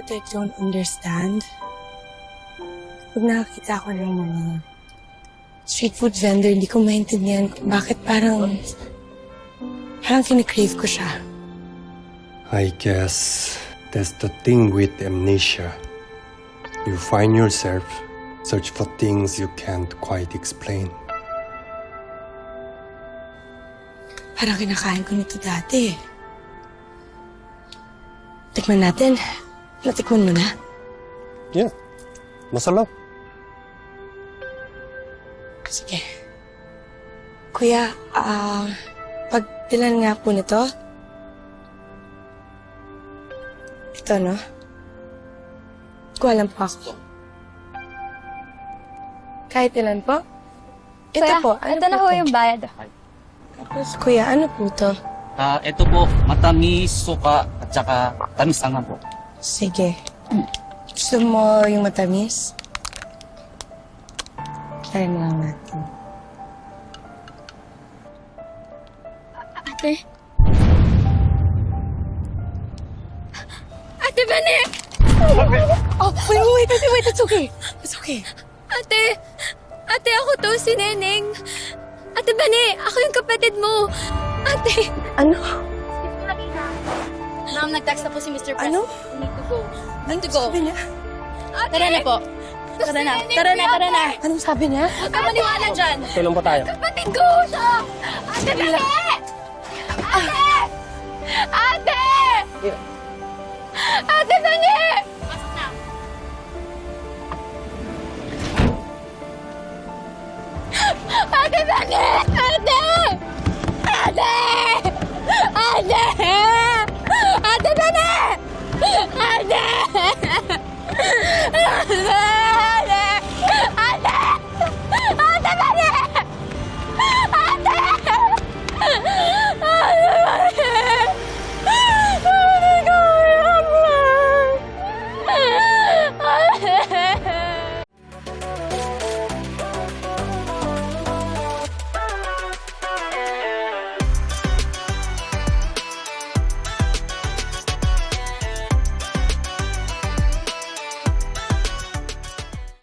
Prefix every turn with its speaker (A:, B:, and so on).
A: what I don't understand? Pag nakakita ko ng mga street food vendor, hindi ko maintindihan kung bakit parang kinikrave ko siya.
B: I guess that's the thing with amnesia. You find yourself search for things you can't quite explain.
A: Parang kinakain ko nito dati. Tikman natin. Natikman mo na?
B: Yeah, masarap.
A: Sige. Kuya, pagbilan nga po nito. Ito, no? Kuha lang po ako. Kahit ilan po? Ito
C: Kuya,
A: po. Ano
C: ito na
A: po
C: ho
A: to?
C: yung bayad.
A: Tapos, kuya, ano po to?
D: Ito po, matamis, suka, at saka tamis ang po.
A: Sige. Gusto mo yung matamis? Try mo lang natin.
C: Ate? Ate Bane!
A: Oh, wait, it's okay. It's okay.
C: Ate! Ate, ako to, si Neneng. Ate Bane, ako yung kapatid mo. Ate!
A: Ano?
C: Ma'am, nag-text na po si Mr. Press.
A: Ano?
C: We need to go. Need to go.
A: Sabi niya?
C: Ate! Tara na po. Tara na. Tara na.
A: Anong sabi niya?
C: Huwag ka maniwala dyan.
B: Tulong po tayo.
C: Kapatid ko siya! Ate Bane! Ate! Ate! Ate Bane! Pasok na. Ate Bane! Ate! Ate! Ate!